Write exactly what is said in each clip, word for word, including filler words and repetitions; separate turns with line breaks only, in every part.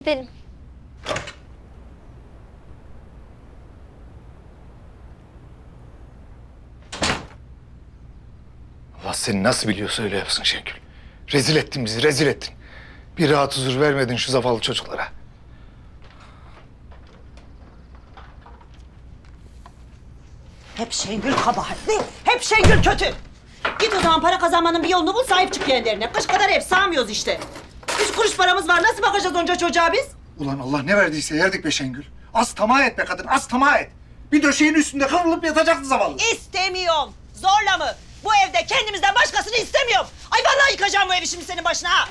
Gidelim.
Allah seni nasıl biliyorsa öyle yapsın Şengül. Rezil ettin bizi, rezil ettin. Bir rahat huzur vermedin şu zavallı çocuklara.
Hep Şengül kabahatli, hep Şengül kötü. Git o zaman para kazanmanın bir yolunu bul, sahip çık kendilerine. Kış kadar ev sağmıyoruz işte. Üç kuruş paramız var, nasıl bakacağız onca çocuğa biz?
Ulan Allah ne verdiyse yerdik be Şengül. Az tamah et be kadın, az tamah et. Bir döşeğin üstünde kıvrılıp yatacaktı zavallı.
İstemiyorum. Zorla mı? Bu evde kendimizden başkasını istemiyorum. Ay vallahi yıkacağım bu evi şimdi senin başına ha.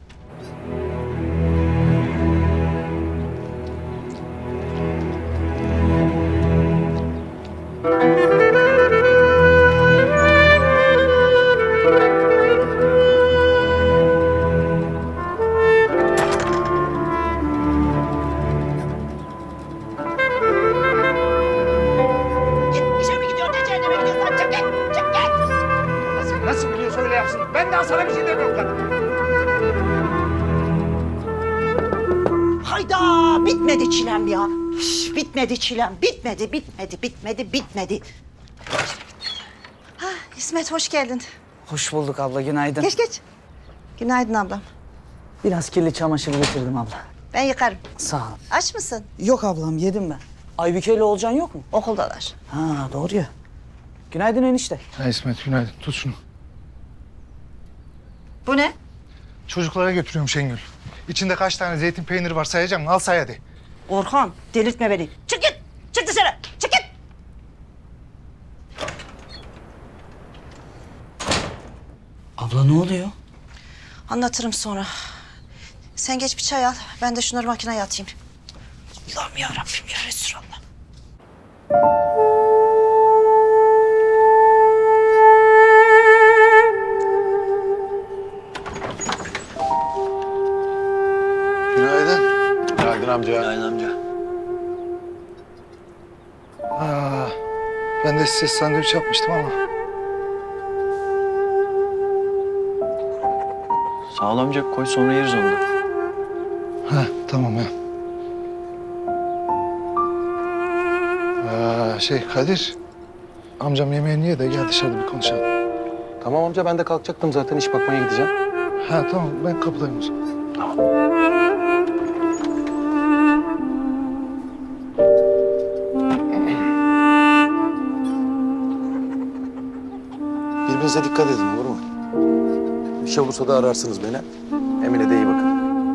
Git işe mi gidiyorsun, ne cehenneme gidiyorsun? Çık git, çık git.
Allah sen nasıl biliyorsa öyle yapsın. Ben daha sana bir şey demiyorum kadın.
Hayda, bitmedi çilem ya. Üf, bitmedi çilem, bitmedi, bitmedi, bitmedi, bitmedi. Ha, İsmet hoş geldin.
Hoş bulduk abla, günaydın.
Geç geç. Günaydın ablam.
Biraz kirli çamaşır getirdim abla.
Ben yıkarım.
Sağ ol.
Aç mısın?
Yok ablam, yedim ben. Aybüke ile Olcan yok mu?
Okuldalar.
Ha, doğru ya. Günaydın enişte.
Ha İsmet günaydın, tut şunu.
Bu ne?
Çocuklara götürüyorum Şengül. İçinde kaç tane zeytin peyniri var sayacağım mı? Al say hadi.
Orhan, delirtme beni. Çık git, çık dışarı, çık git.
Abla ne oluyor?
Anlatırım sonra. Sen geç bir çay al, ben de şunları makineye atayım. Allah'ım ya Rabbim ya Resulallah.
Günaydın.
Günaydın amca.
Günaydın amca.
Aa, ben de size sandviç yapmıştım ama.
Sağ ol amca, koy sonra yeriz onu da.
Ha tamam ya. Aa, şey Kadir. Amcam yemeğini ye de gel dışarıda bir konuşalım.
Tamam amca, ben de kalkacaktım zaten, iş bakmaya gideceğim.
Ha tamam ben kapıdayım o zaman.
Birbirinize dikkat edin, olur mu? Bir şey olursa da ararsınız beni. Emine de iyi bakın.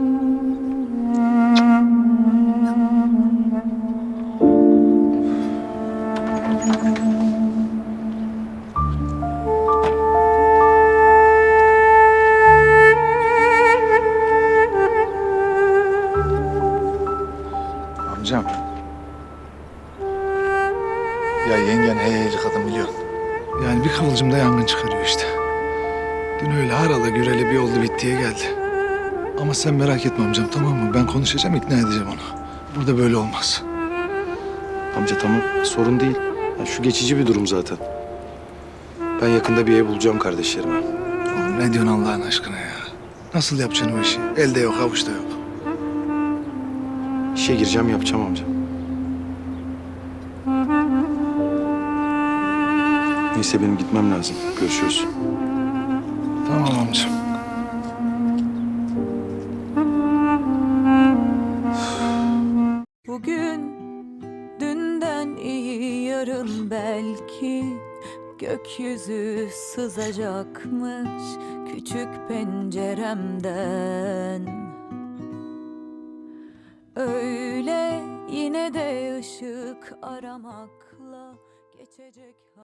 Amcam. Ya yengen heyeyli kadın biliyorsun. Yani bir kıvılcımda yangın çıkarıyor işte. Dün öyle harala güreli bir oldu bittiye geldi. Ama sen merak etme amcam tamam mı? Ben konuşacağım ikna edeceğim onu. Burada böyle olmaz.
Amca tamam, sorun değil. Ya şu geçici bir durum zaten. Ben yakında bir ev bulacağım kardeşlerime.
Oğlum ne diyorsun Allah'ın aşkına ya? Nasıl yapacaksın o işi? Elde yok avuçta yok.
İşe gireceğim, yapacağım amca. Neyse benim gitmem lazım. Görüşürüz.
Tamam amcam.
Bugün dünden iyi yarın belki gökyüzü sızacakmış küçük penceremden. Öyle yine de ışık aramakla geçecek.